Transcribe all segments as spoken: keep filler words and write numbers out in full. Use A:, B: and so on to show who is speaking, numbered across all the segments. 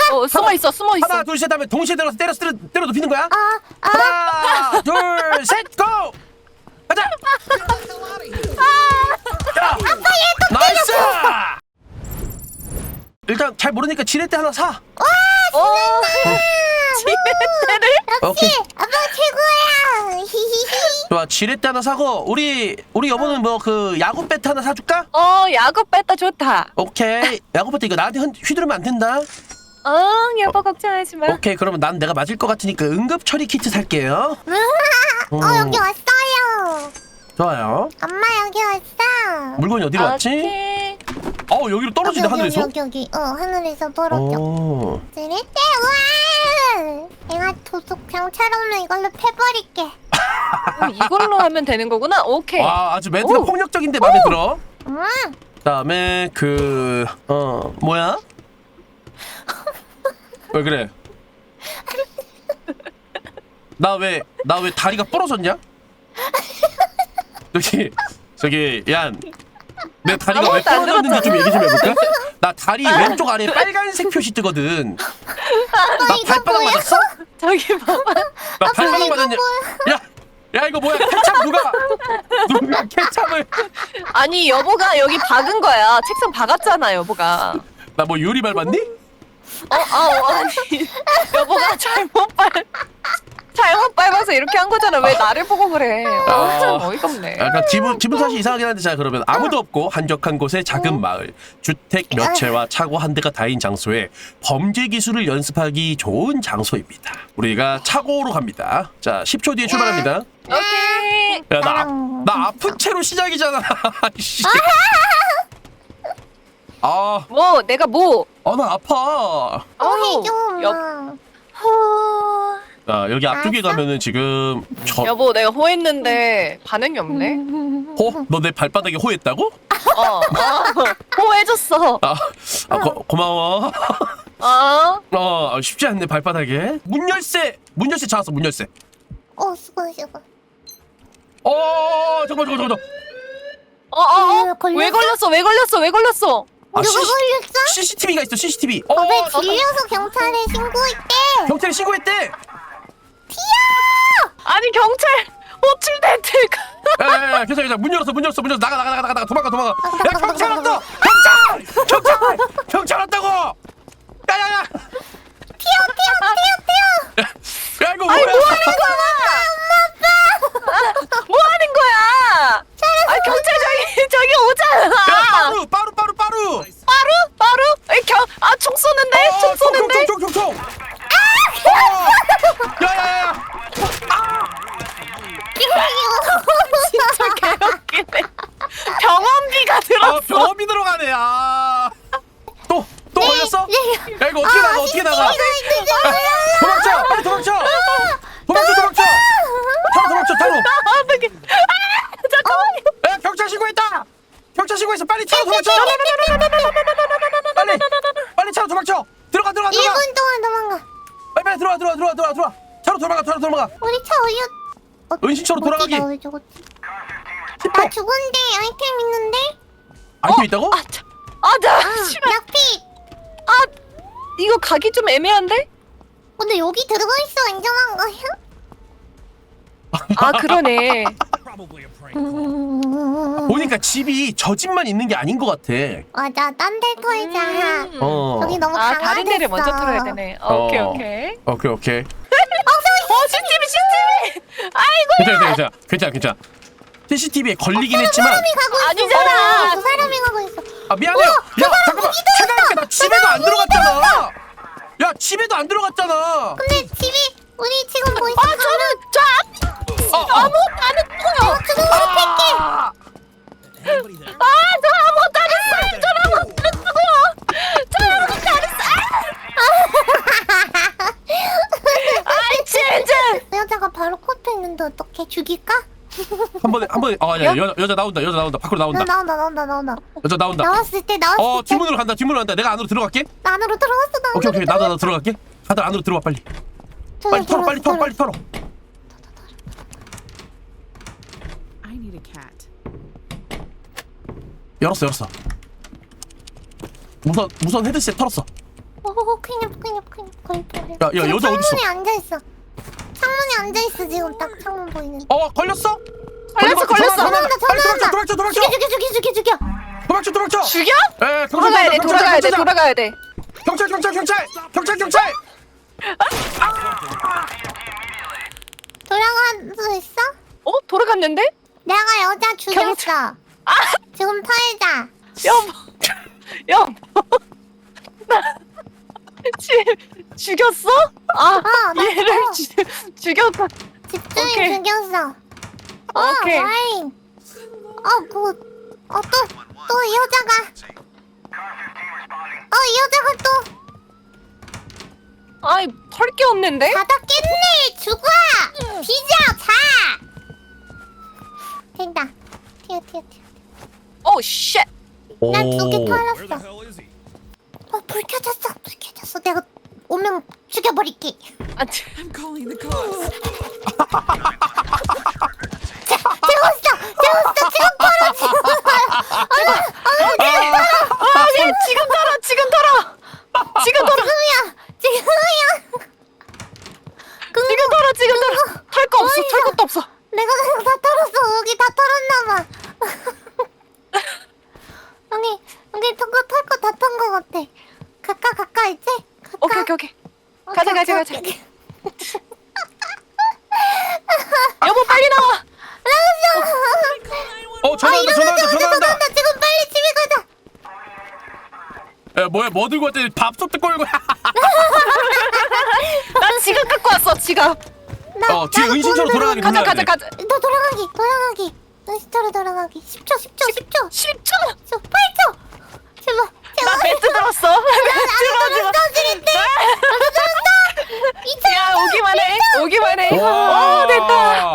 A: 어, 숨어 있어, 숨어 있어.
B: 하나, 둘, 셋 하면 동시에 들어서 때려 때려 때려 눕히는 거야.
C: 아, 아.
B: 하나, 둘, 셋, 고! 가자. 야, 나이스. 일단 잘 모르니까 지렛대 하나 사.
A: 어, 지렛대를?
B: 오케이.
C: 아빠 최고야. 히히히.
B: 좋아, 지렛대 하나 사고 우리 우리 여보는 뭐 그 야구 배트 하나 사줄까?
A: 어, 야구 뺐다 좋다.
B: 오케이. 야구 배트 이거 나한테 흔- 휘두르면 안 된다.
A: 응, 여보 걱정하지 마.
B: 오케이. 그러면 난 내가 맞을 것 같으니까 응급 처리 키트 살게요.
C: 어,
B: 음.
C: 여기 왔어요.
B: 좋아요.
C: 엄마 여기 왔어.
B: 물건이 어디로 왔지?
A: 오케이.
B: 어 여기로 떨어지네
C: 여기,
B: 하늘에서.
C: 여기 여기 여기. 어, 하늘에서 떨어져.
B: 오.
C: 지렛대 와. 내가 도둑 경찰 오면 이걸로 패버릴게.
A: 어, 이걸로 하면 되는 거구나. 오케이.
B: 와 아주 멘트가
A: 오.
B: 폭력적인데 마음에 들어.
C: 음.
B: 그다음에 그 어 뭐야? 왜 그래? 나 왜 나 왜 다리가 부러졌냐? 저기 저기 얀. 내 다리가 왜
A: 아무것도 안
B: 부러졌는지 좀 얘기 좀 해볼까? 나 다리 왼쪽 아래에 빨간색 표시 뜨거든. 나
C: 이거
B: 발바닥
C: 뭐야?
B: 맞았어?
A: 저기 봐봐.
B: 나 발바닥
C: 이거
B: 맞았냐? 야, 야 이거 뭐야? 케찹 누가 누가 케찹을?
A: 아니, 여보가 여기 박은 거야. 책상 박았잖아, 여보가.
B: 나 뭐 유리 밟았니?
A: 어, 아, 어, 아니. 여보가 잘못 밟, 잘못 밟아서 이렇게 한 거잖아. 왜 나를 보고 그래. 어, 참 어이가 없네.
B: 약간 기분 기분 탓이 이상하긴 한데 자 그러면 아무도 없고 한적한 곳의 작은 마을 주택 몇 채와 차고 한 대가 다인 장소에 범죄 기술을 연습하기 좋은 장소입니다. 우리가 차고로 갑니다. 자 십 초 뒤에 출발합니다.
A: 오케이.
B: 야 나 나 아픈 채로 시작이잖아. 씨. 아,
A: 뭐, 내가 뭐.
B: 아 나 아파.
C: 어, 해줘
A: 여,
C: 엄마.
A: 호...
B: 자 여기 앞쪽에
C: 알았어?
B: 가면은 지금 저
A: 여보, 내가 호했는데 반응이 없네.
B: 호? 너 내 발바닥에 호했다고?
A: 어, 어, 호해줬어.
B: 아, 아 고, 고마워.
A: 어,
B: 어 쉽지 않네 발바닥에. 문 열쇠 문 열쇠 찾았어 문 열쇠.
C: 어, 수고 수고.
B: 어 잠깐 잠깐 잠깐.
A: 어, 어, 어.
C: 왜 걸렸어?
A: 왜 걸렸어? 왜 걸렸어? 왜 걸렸어?
B: 아,
C: 누가
B: 씨-
C: 걸렸어?
B: 씨씨티비가 있어 씨씨티비. 어,
C: 왜
B: 어,
C: 질려서 경찰에 신고했대?
B: 경찰에 신고했대.
A: 아니, 경찰 호출됐대.
B: 야야야 괜찮아 괜찮아 문 열었어 문 열었어 문 열었어 나가 나가 나가 나가 도망가 도망가. 야 경찰 왔다 경찰 경찰 경찰 왔다고. 야야야
C: 튀어 튀어 튀어 튀어.
B: 야 이거 뭐야?
A: 뭐 하는 거야? 아, 경찰 저기 저기
B: 야
A: 오잖아.
B: 빠루 빠루 빠루 빠루.
A: 빠루? 빠루? 에, 경, 아, 총 쏘는데? 총 쏘는데?
B: 총총총총총. 야야야.
A: 진짜 개웃기네. 병원비가 들었어.
B: 아 병원비 들어가네. 아. 또 또 걸렸어? 야 이거 어떻게 나가 어떻게 나가? 도망쳐 빨리 도망쳐. 도망쳐 도망쳐. 타로 도망쳐 타로.
A: 아, 어떡해. 아, 잠깐만요.
B: 야 경찰 신고했다. 경찰 신고했어 빨리 차로 도망쳐. 빨리 빨리 차로 도망쳐. 들어가 들어가
C: 일
B: 들어가.
C: 분 동안 도망가.
B: 빨리 빨리 들어와 들어와 들어와 들어와 들어와. 차로 도망가 차로 도망가.
C: 우리 차 어디? 어,
B: 은신처로 돌아가기.
C: 어디다, 어디, 어디.
B: 십 초.
C: 나 죽은데 아이템 있는데?
B: 아이템 있다고?
A: 아, 참. 아, 나,
C: 아,
A: 씨발.
C: 약빛.
A: 아, 이거 가기 좀 애매한데?
C: 근데 여기 들어있어 인정한 거야?
A: 아, 그러네.
B: 보니까 집이 저 집만 있는 게 아닌 것 같아.
C: 맞아, 딴 데 털자.
A: 음.
B: 어.
C: 여기 너무
A: 아,
C: 강화됐어.
A: 다른 데를 먼저 털어야 되네. 어,
B: 어.
A: 오케이, 오케이.
B: 오케이 오케이.
A: 어, 씨티비, 씨티비! 아이고,
B: 괜찮아 괜찮아 괜찮아 괜찮아. 씨씨티비에 걸리긴 했지만.
C: 사람이 가고 있어.
A: 아니잖아.
C: 어, 두 사람이 가고 있어.
B: 아 미안해요. 야 잠깐만. 생각해보니까 나 집에도 안 들어갔잖아. 야 집에도 안 들어갔잖아.
C: 근데 집이 우리 지금 뭐 있어?
A: 아, 저는, 저 앞,
B: 어, 어.
A: 아무것도 안 했어요.
C: 주먹으로 팰게.
B: 아,
A: 아, 저 아무것도 안 했어요. 저 아무것도 안 했어요. 저 아무것도 안 했어요. 아이, 진짜.
C: 여자가 바로 코앞에 있는데 어떻게 죽일까?
B: 한 번에 한 번에 아 야, 여자 여자 나온다 여자 나온다 밖으로
C: 나
B: 나온다
C: 나온다 나온다 나온다.
B: 여자 나온다.
C: 나왔을 때 나왔을
B: 어
C: 때.
B: 뒷문으로 간다 뒷문으로 간다. 내가 안으로 들어갈게.
C: 나 안으로 들어갔어 나.
B: 오케이 오케이 나도 나도 들어갈게. 다들 안으로 들어와 빨리. 빨리 털어 빨리 털어 빨리 털어.
D: I need a cat.
B: 열었어 열었어. 무선 무선 헤드셋 털었어.
C: 어 오 큰일 났다 큰일 났다 큰일 났다.
B: 야, 야, 여자 어딨어?
C: 창문에 앉아있어. 창문에 앉아있어 지금 딱 창문 보이는.
B: 어 걸렸어?
A: 걸렸어 걸렸어.
C: 전화 온다
B: 빨리
C: 전화 온다.
B: 도망쳐 도망쳐
C: 죽여
B: 도망쳐
C: 죽여 죽여 죽여 죽여.
B: 도망쳐 도망쳐.
A: 죽여?
B: 에
A: 돌아가야 돼 돌아가야 돼 돌아가야 돼.
B: 경찰 경찰 경찰 경찰 경찰.
C: 돌아갈 수 있어?
A: 어 돌아갔는데?
C: 내가 여자 죽였어.
A: 경찰. 아
C: 지금 털자.
A: 여보 여보 나 지, 죽였어? 아
C: 어, 나
A: 얘를
C: 또.
A: 주, 죽였다.
C: 집주인
A: 오케이.
C: 죽였어. 어,
A: 오케이.
C: 와인. 어, 그, 어, 또, 또 이 여자가. 어, 이 여자가 또
A: 아이 털 게 없는데?
C: 자다 깼네. 죽어. 뒤져, 자. 된다. 튀어, 튀어, 튀어.
A: 오 쉣.
C: 난 두 개
B: 오.
C: 털었어. 어, 불 켜졌어. 불 켜졌어. 내가 오면 죽여버릴게.
A: 아 참.
D: I'm calling the cops.
C: 재웠어. 재웠어. 지금 털어. 지금 털어.
A: 아 얘 지금 털어 지금 털어 지금 털어
C: 지금이야. 지금이야. 그,
A: 지금 털어 지금 털어 털 거 없어 털 것도 없어.
C: 내가 그냥 다 털었어. 여기 다 털었나봐. 여기, 여기 털거 털거 다 턴 거 같아. 가까, 가까, 이제? 가까.
A: 오케이 오케이 오케이. 가자, 가자, 가자. 여보 빨리 나와.
B: 어 전화한다 전화한다 전화한다.
C: 전화한다. 지금 빨리 집에 가자.
B: 야 뭐야 뭐 들고 왔더니 밥솥 뜯고 올고.
A: 나 지갑 갖고 왔어 지갑.
C: 나,
B: 어 뒤에
C: 나도
B: 은신처로
C: 돈
B: 돌아가기
A: 가자
B: 눌러야
A: 가자
B: 돼.
A: 가자.
C: 너 돌아가기, 돌아가기. 은시처로 돌아가기. 십 초, 십 초, 십 초.
A: 십 초.
C: 저 팔 초. 제발, 제발.
A: 나 벨트 들었어. 벨트 들어지 마.
C: 떨어지는데? 나도 떨었어. 이천
A: 야 오기만 해. 오기만 해.
B: 와.
A: 어 됐다.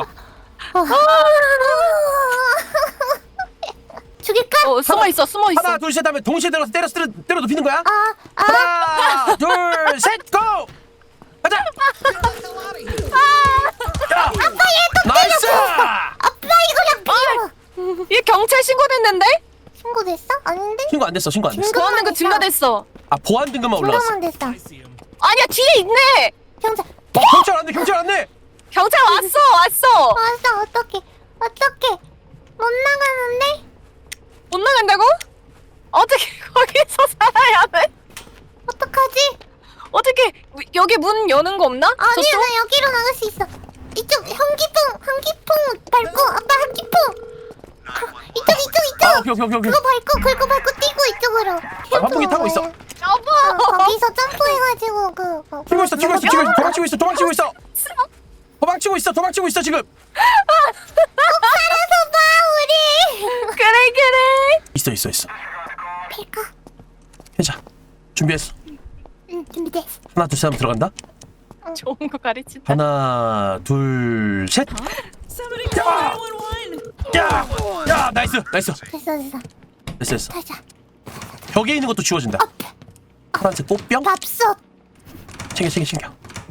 C: 죽일까?
A: 어 숨어 있어 숨어 있어.
B: 하나 둘 셋 하면 동시에 들어서 때려 때려 때려 눕히는 거야.
C: 아, 아.
B: 하나 둘 셋 고. 가자. 야. 나이스.
C: 아빠 이거랑 비워.
A: 얘 경찰 신고됐는데?
C: 신고됐어? 아닌데?
B: 신고 안 됐어 신고 안 됐어.
C: 신고-
A: 보안 등급 증가됐어.
B: 아 보안 등급만 올라갔어.
C: 신고만 됐어.
A: 아니야 뒤에 있네.
C: 경찰.
B: 어, 경찰 안돼 경찰 안돼.
A: 경찰 왔어 왔어.
C: 왔어. 어떡해. 어떡해. 못 나가는데?
A: 못 나간다고? 어떻게 거기서 살아야 돼?
C: 어떡하지?
A: 어떻게 여기 문 여는 거 없나?
C: 아니야,
A: 저쪽?
C: 나 여기로 나갈 수 있어. 이쪽 현기풍, 현기풍 밟고 아빠 현기풍. 이쪽, 이쪽, 이쪽.
B: 아 오케이 오케이 오케이.
C: 그거 밟고, 그거 밟고 뛰고 이쪽으로.
B: 환풍기 타고 있어.
A: 여보.
C: 어, 거기서 점프해가지고 그. 어,
B: 튀고 있어 튀고 있어 튀고 있어 도망치고 있어 도망치고 있어. 도망치고 있어 도망치고 있어 지금.
C: 살아서 봐 우리.
A: 그래 그래.
B: 있어 있어 있어.
C: 뺄까?
B: 해자 준비했어.
C: 응, 준비됐어.
B: 하나 둘 셋 하면 들어간다.
A: 좋은 거 가르친다.
B: 하나 둘 셋.
D: Somebody call nine one one.
B: 야! 야 나이스 나이스
C: 됐어, 됐어.
B: 됐어 됐어.
C: 타자.
B: 벽에 있는 것도 지워진다. 파란색 꽃병
C: 밥솥.
B: 챙겨 챙겨 챙겨.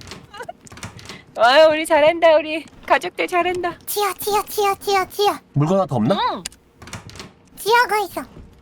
A: 와 우리 잘한다 우리 가족들 잘한다.
C: 지하, 지하, 지하, 지하, 지하.
B: 물건 하나 더 없나?
A: 응.
C: 지하가 있어.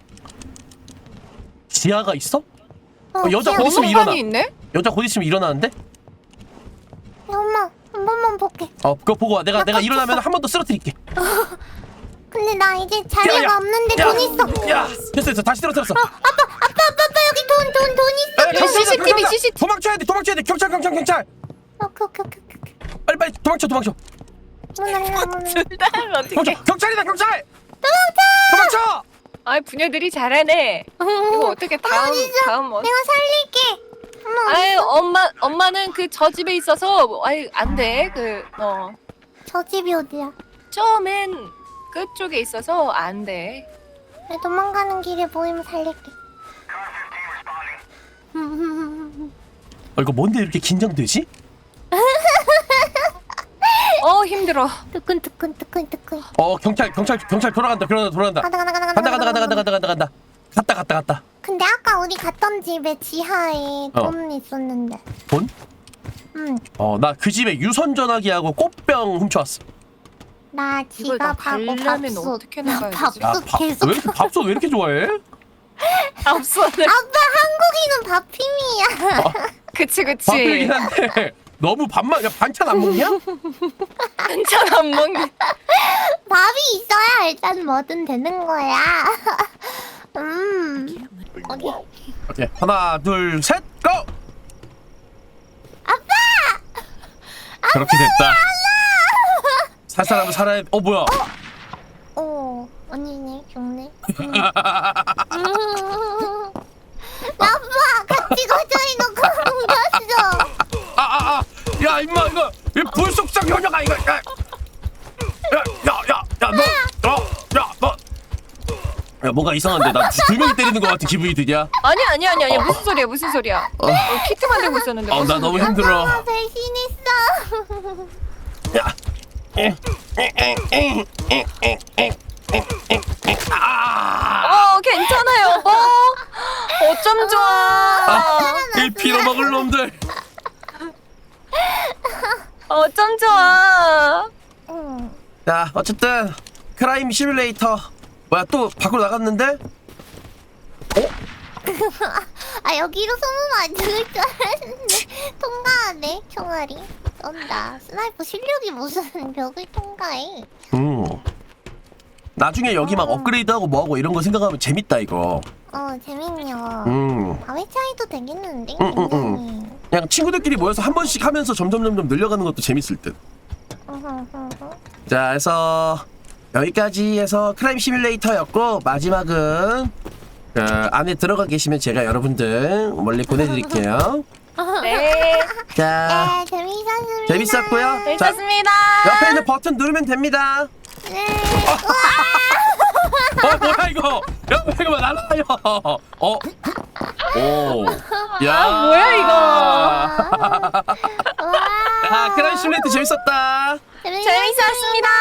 B: 지하가 있어?
C: 어,
B: 어, 여자
C: 지하.
B: 거기 있으면 일어나.
A: 번호판이 있네?
B: 여자 곧 있으면 일어나는데?
C: 엄마, 한 번만 볼게.
B: 어 그거 보고 와. 내가
C: 나
B: 내가
C: 깜짝이야.
B: 일어나면 한 번 더 쓰러뜨릴게.
C: 근데 나 이제 자리가
B: 야, 야.
C: 없는데
B: 야.
C: 돈 있어.
B: 야 됐어 됐어 다시 쓰러뜨렸어.
C: 아빠, 아빠, 아빠, 아빠 여기 돈, 돈, 돈 있어.
B: 야, 경찰,
A: 씨씨티비,
B: 경찰,
A: 씨씨티비.
B: 도망쳐야 돼 도망쳐야 돼 경찰 경찰 경찰.
C: 오케이, 오케이, 오케이, 오케이.
B: 빨리 빨리 도망쳐 도망쳐.
C: 문 열려, 문 열려.
A: 둘다 어떻게?
B: 경찰 경찰이다 경찰.
C: 도망쳐!
B: 도망쳐.
A: 아 부녀들이 잘하네. 이거 어떻게 다음
C: 진짜.
A: 다음 어?
C: 내가 살릴게. 엄마,
A: 아유 엄마 엄마는 그 저 집에 있어서 뭐, 아유 안돼 그 어
C: 저 집이 어디야?
A: 처음엔 끝쪽에 있어서 안돼.
C: 내 도망가는 길에 보이면 살릴게.
B: 어 이거 뭔데 이렇게 긴장되지?
A: 어 힘들어.
C: 뜨끈, 뜨끈, 뜨끈, 뜨끈.
B: 어 경찰 경찰 경찰 돌아간다 돌아간다 돌아간다.
C: 가다, 가다, 가다,
B: 간다 간다 간다 간다 간다 간다 간다. 갔다 갔다 갔다.
C: 근데 아까 우리 갔던 집에 지하에
B: 어.
C: 돈 있었는데.
B: 돈?
C: 응.
B: 어 나 그 집에 유선 전화기하고 꽃병 훔쳐왔어.
C: 나
A: 이걸 나
C: 지갑하고
A: 가려면
C: 밥솥.
A: 어떻게 나가야
C: 나
A: 되지?
B: 야,
C: 밥솥
B: 밥,
C: 계속.
B: 왜 이렇게 밥솥 왜 이렇게 좋아해?
A: 앞선을.
C: 아빠 한국인은 밥힘이야.
A: 그치 그치.
B: 밥이긴 한데 너무 밥만 야 반찬 안 먹냐?
A: 반찬 안 먹는.
C: 밥이 있어야 일단 뭐든 되는 거야. 음. 오케이.
B: 오케이 하나 둘 셋 고!
C: 아빠!
B: 그렇게 됐다. 살 사람은 살아야. 어 뭐야?
C: 오, 언니네 좋네. 음. 아빠 같이 가자 이거 옮겼어.
B: 아아아! 아, 야 임마 이거 이 불속성 현역아 이거. 야야야야너너야너 야 뭔가 이상한데 나 두 명이 때리는 것 같은 기분이 드냐?
A: 아니 아니 아니 아니 무슨 소리야 무슨 소리야. 어, 키트 만들고 있었는데.
B: 어 나
A: 무슨
B: 너무
A: 소리야?
B: 힘들어.
C: 아빠 배신했어.
B: 야. 아,
A: 어 괜찮아요. 어 어쩜 좋아.
B: 아, 이 빌어먹을 놈들.
A: 어쩜 좋아.
C: 응.
B: 자, 어쨌든 크라임 시뮬레이터 뭐야 또 밖으로 나갔는데?
C: 아 여기로 소문 안 들을 줄 알았는데 통과하네 총알이. 쏜다. 스나이퍼 실력이 무슨 벽을 통과해.
B: 음. 나중에 여기 막 업그레이드하고 뭐하고 이런 거 생각하면 재밌다 이거.
C: 어 재밌냐.
B: 음.
C: 밤의 차이도 되겠는데
B: 응, 응,
C: 굉장히.
B: 그냥 친구들끼리 모여서 한 번씩 하면서 점점 점점 늘려가는 것도 재밌을 듯.
C: 어허허허.
B: 자, 그래서 여기까지 해서 크라임 시뮬레이터였고 마지막은 그 안에 들어가 계시면 제가 여러분들 멀리 보내드릴게요.
A: 네.
C: 네
B: 자,
C: 재밌었습니다.
B: 재밌었고요. 자,
A: 재밌었습니다.
B: 옆에 있는 버튼 누르면 됩니다.
C: 네.
B: 어 뭐야 이거? 옆에 이거 날라요. 어? 오. 야.
A: 아, 뭐야, 이거?
C: 와.
B: 아, 크라임 시뮬레이터 재밌었다.
A: 재밌었습니다.